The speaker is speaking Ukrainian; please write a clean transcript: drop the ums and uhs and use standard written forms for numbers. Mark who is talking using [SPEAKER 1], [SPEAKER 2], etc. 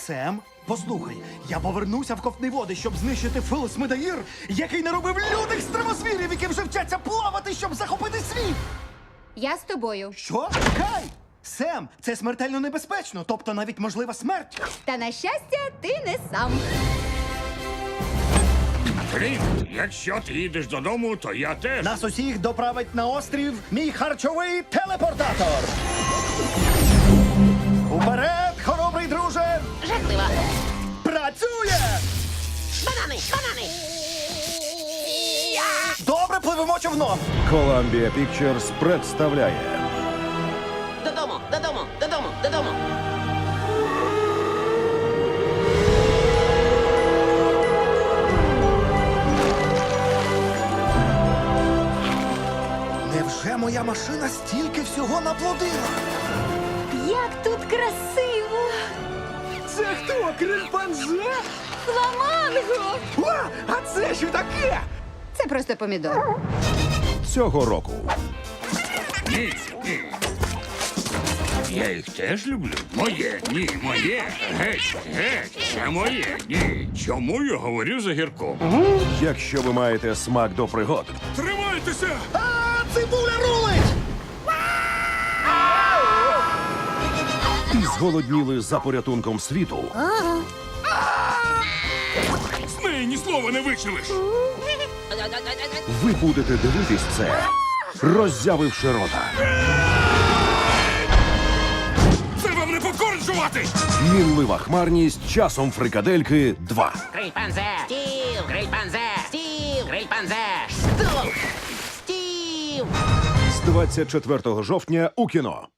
[SPEAKER 1] Сем, послухай, я повернуся в ковтні води, щоб знищити Фелс Медаїр, який наробив лютих стримосвірів, які вже вчаться плавати, щоб захопити світ!
[SPEAKER 2] Я з тобою.
[SPEAKER 1] Що? Чекай! Сем, це смертельно небезпечно, тобто навіть можлива смерть.
[SPEAKER 2] Та на щастя, ти не сам.
[SPEAKER 3] Флінт, якщо ти їдеш додому, то я теж.
[SPEAKER 1] Нас усіх доправить на острів мій харчовий телепортатор. Уперед, хоробрий друже!
[SPEAKER 4] Жахливо.
[SPEAKER 1] Працює!
[SPEAKER 4] Банани, банани.
[SPEAKER 1] Добре, пливемо човном.
[SPEAKER 5] Columbia Pictures представляє
[SPEAKER 4] Додому, додому, додому, додому.
[SPEAKER 1] Невже моя машина стільки всього наплодила?
[SPEAKER 2] Як тут красиво!
[SPEAKER 1] Це хто, крильпанзе?
[SPEAKER 2] Фламанго!
[SPEAKER 1] О, а це що таке?
[SPEAKER 2] Це просто помідор.
[SPEAKER 5] цього року.
[SPEAKER 3] Ні, ні. Я їх теж люблю. Моє, ні, моє. Геть, геть, це моє, ні. Чому я говорю за гірком?
[SPEAKER 5] Якщо ви маєте смак до пригод,
[SPEAKER 3] Тримайтеся!
[SPEAKER 1] А, цибуля рулить!
[SPEAKER 5] і зголодніли за порятунком світу,
[SPEAKER 3] З неї ні слова не вичилиш.
[SPEAKER 5] ви будете дивитись це, роззявивши рота.
[SPEAKER 3] Це вам не покорджувати!
[SPEAKER 5] Мінлива хмарність часом фрикадельки 2.
[SPEAKER 4] Грильпанзе. Стів, грильпанзе. Стів, грильпанзе. Стоп. Стів.
[SPEAKER 5] З 24 жовтня у кіно.